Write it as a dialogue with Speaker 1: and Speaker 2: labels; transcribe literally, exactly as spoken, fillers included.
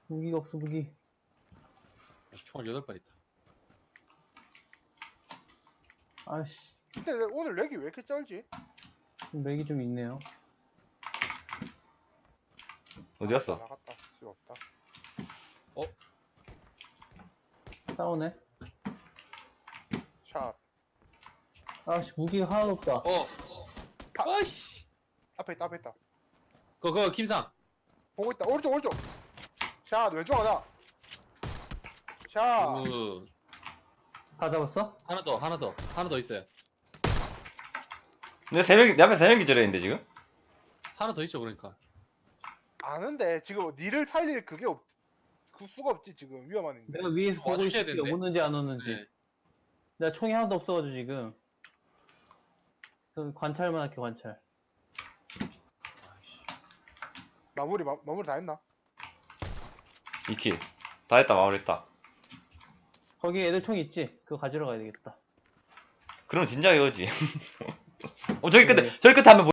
Speaker 1: 무기가 없어, 무기.
Speaker 2: 총알 여덟 발 있다.
Speaker 1: 아씨,
Speaker 3: 근데 왜 오늘 렉이 왜 이렇게 쩔지?
Speaker 1: 맥이 좀 있네요.
Speaker 4: 어디 갔어?
Speaker 3: 나갔다. 쓸 없다.
Speaker 1: 싸우네.
Speaker 3: 샷.
Speaker 1: 아씨, 무기가 하나도 없다.
Speaker 2: 어.
Speaker 3: 파-
Speaker 2: 아이씨.
Speaker 3: 앞에 있다, 앞에 있다.
Speaker 2: 그거 그거 김상.
Speaker 3: 보고 있다. 오른쪽, 오른쪽. 샷, 왼쪽 하나. 샷.
Speaker 2: 그
Speaker 1: 다 잡았어?
Speaker 2: 하나 더 하나 더 하나 더 있어요.
Speaker 4: 근데 세 명, 내 앞에 세 명 기절했는데 지금?
Speaker 2: 하나 더 있죠 그러니까.
Speaker 3: 아는데 지금 니를 살릴 그게 없, 그 수가 없지 지금 위험한데.
Speaker 1: 내가 위에서 보고
Speaker 2: 와주셔야
Speaker 1: 있을게.
Speaker 2: 되는데.
Speaker 1: 오는지 안 오는지.
Speaker 2: 네.
Speaker 1: 내가 총이 하나도 없어가지고 지금. 전 관찰만 할게, 관찰.
Speaker 3: 마무리 마, 마무리 다 했나?
Speaker 4: 이 킬. 다 했다, 마무리했다.
Speaker 1: 거기 애들 총 있지? 그거 가지러 가야 되겠다.
Speaker 4: 그러면 진작에 오지. 어, 저기 끝에,
Speaker 1: 네.
Speaker 4: 저기 끝에 한명